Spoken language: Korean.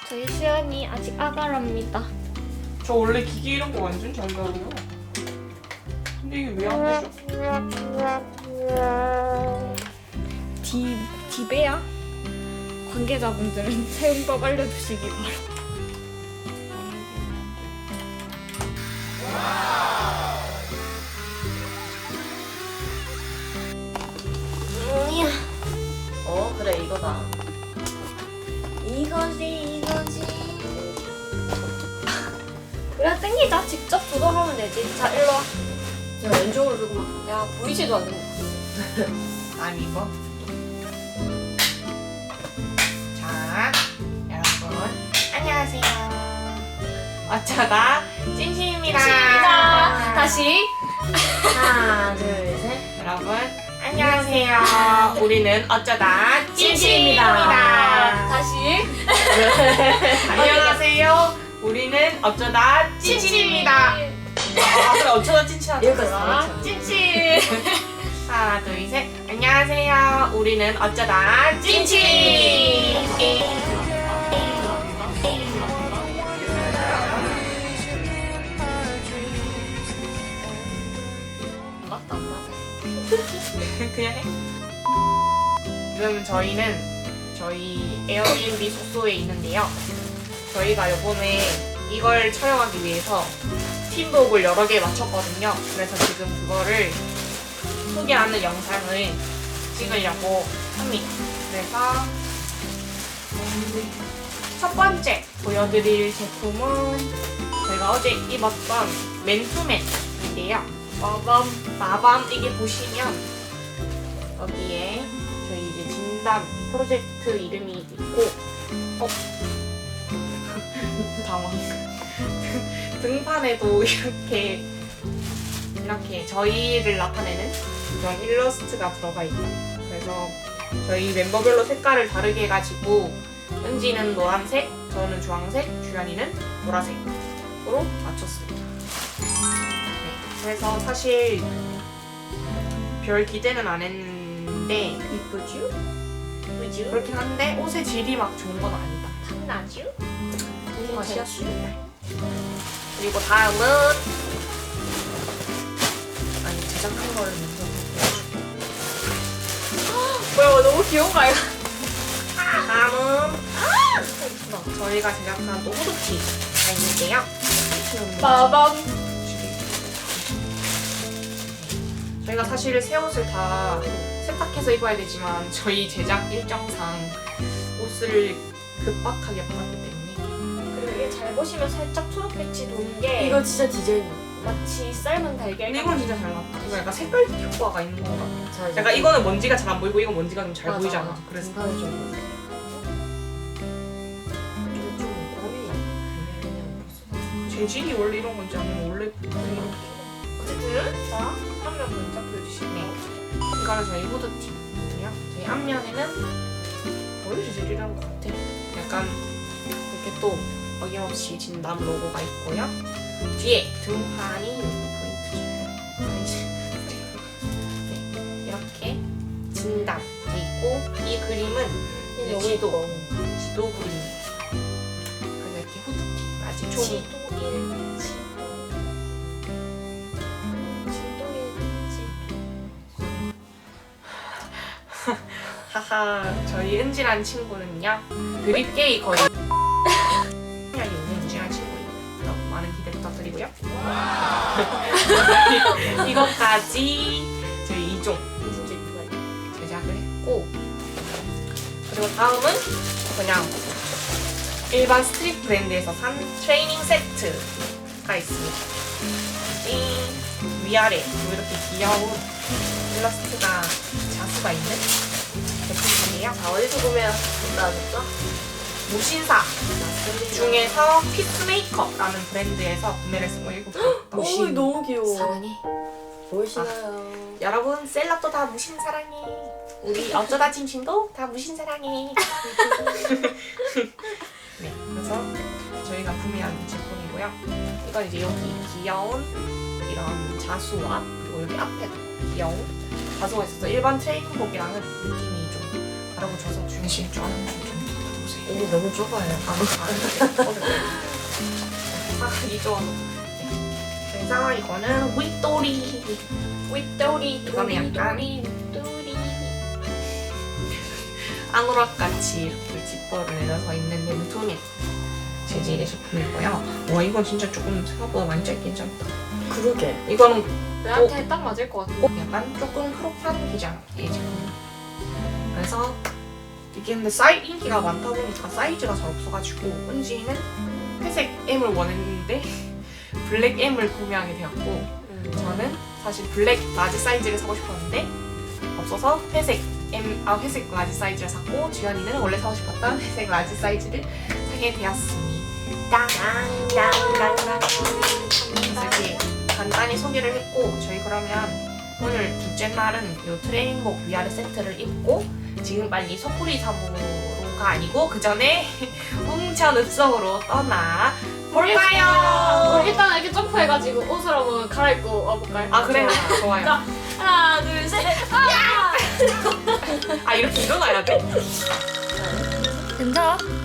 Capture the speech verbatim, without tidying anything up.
저희 수연이 아직 아가랍니다. 저 원래 기계 이런 거 완전 잘 다뤄요. 근데 이게 왜 안 되죠? 디, 디베야? 관계자분들은 사용법 알려주시기 바랍니다. 어 그래 이거다. 이거지 이거지. 그래 땡기자. 직접 조절하면 되지. 자 일로 와. 제가 왼쪽으로 들고 막. 야 보이지도 않는 거. 아니 이거. 자, 여러분 안녕하세요. 어쩌다 찐신입니다. 자 다시. 하나 둘 셋. 여러분 안녕하세요. 우리는 어쩌다 찐신입니다. 다시. 안녕하세요. 우리는 어쩌다 찐친입니다. 아 그래 어쩌다 찐친하자. 여기까지 다 했잖아. 찐친. 하나 둘 셋. 안녕하세요. 우리는 어쩌다 찐친. 맞다 안 맞아. 그냥 해. 지금 저희는 저희 에어비앤비 숙소에 있는데요. 저희가 요번에 이걸 촬영하기 위해서 팀복을 여러 개 맞췄거든요. 그래서 지금 그거를 소개하는 영상을 찍으려고 합니다. 그래서 첫 번째 보여드릴 제품은 제가 어제 입었던 맨투맨인데요. 마밤, 마밤 이게 보시면 여기에 저희 이제 진담 프로젝트 이름이 있고 어? 당황. 등판에도 이렇게 이렇게 저희를 나타내는 이런 일러스트가 들어가 있다. 그래서 저희 멤버별로 색깔을 다르게 해가지고 은지는 노란색, 저는 주황색, 주연이는 보라색으로 맞췄습니다. 네, 그래서 사실 별 기대는 안 했는데 이쁘죠? 이쁘죠? 그렇긴 한데 옷의 질이 막 좋은 건 아니다. 탐나죠? 맛이었어. 그리고 다음은 아니 제작한 거를 먼저 보여줄게요. 뭐야 너무 귀여운 거 아이가? 다음은 저희가 제작한 또 후드티가 있는데요. 마밤. 저희가 사실 새 옷을 다 세탁해서 입어야 되지만 저희 제작 일정상 옷을 급박하게 받았기 때문에 그리고 이게 잘 보시면 살짝 초록빛이 도는 게 이거 진짜 디자인. 마치 삶은 달걀. 근데 이건 진짜 잘 나왔다. 이거 약간 색깔 효과가 있는 건가? 자, 이제 약간 이거는 먼지가 잘 안 보이고 이건 먼지가 좀 잘 맞아. 보이잖아. 그래서 등판을 좀 보여줘. 근데 좀 꼴이 재질이 원래 이런 건지 아니면 원래 이렇게 어쨌든 자 한면 먼저 보여주실게요. 이거는 저희 후드티고요. 저희 앞면에는 원래 재질이라는 것 같아. 약간 이렇게 또 어김없이 진담 로고가 있고요. 뒤에 등판이 포인트죠. 네, 이렇게 진담 돼 있고 이 그림은 이제 너무 지도 예뻐. 지도 그림입니다. 그래서 이렇게 후드티까지 총 지도 일 지도 지도 일 지도. 하하 저희 은지란 친구는요 드립게이 거의 이 있는 은지란 친구입니다. 여러분 많은 기대 부탁드리고요. 이것까지 저희 이 종 진짜 이쁘다. 제작을 했고 그리고 다음은 그냥 일반 스트릿 브랜드에서 산 트레이닝 세트가 있습니다. 띵! 위아래 이렇게 귀여운 일러스트가 자수가 있는 제품인데요. 자 어디서 보면 나왔죠? 무신사 중에서 피스메이커라는 브랜드에서 구매를 했고 이거 오 너무 귀여워. 사랑해. 보이시나요? 여러분 셀럽도 다 무신 사랑해. 우리 어쩌다 찐친도 다 무신 사랑해. 네, 그래서 저희가 구매한 제품이고요. 이건 이제 여기 귀여운 이런 자수와 그리고 여기 앞에 귀여운 자수가 있어서 일반 트레이닝복이랑은 느낌이 좀 다르고 저서 주신 줄 아는 분좀 보세요. 이게 너무 좁아요. 상황이 좀 네. 상황 이거는 윗도리 윗도리 이거는 약간 윗도리 앙으락같이 이렇게 지퍼를 내려서 있는 램투닉 재질의 제품이고요. 와 이건 진짜 조금 생각보다 많이 짧긴 짧다. 그러게. 이거는 나한테 딱 맞을 것 같아. 약간 조금 크롭한 기장의 제품. 그래서 이게 근데 사이 인기가 많다 보니까 사이즈가 잘 없어가지고 은지는 회색 M을 원했는데 블랙 M을 구매하게 되었고 음. 저는 사실 블랙 라지 사이즈를 사고 싶었는데 없어서 회색 M 아 회색 라지 사이즈를 샀고 주연이는 원래 사고 싶었던 회색 라지 사이즈를 사게 되었습니다. 그래서 이렇게 간단히 소개를 했고 저희 그러면 오늘 둘째 날은 이 트레이닝복 위아래 세트를 입고 지금 빨리 소쿠리 사무로가 아니고 그 전에 홍천 읍성으로 떠나 볼까요? 우리 일단 이렇게 점프해가지고 옷을 한번 갈아입고 와볼까요? 아 그래 좋아요. 자, 하나, 둘, 셋. 아! 아 이렇게 일어나야 돼? 괜찮아?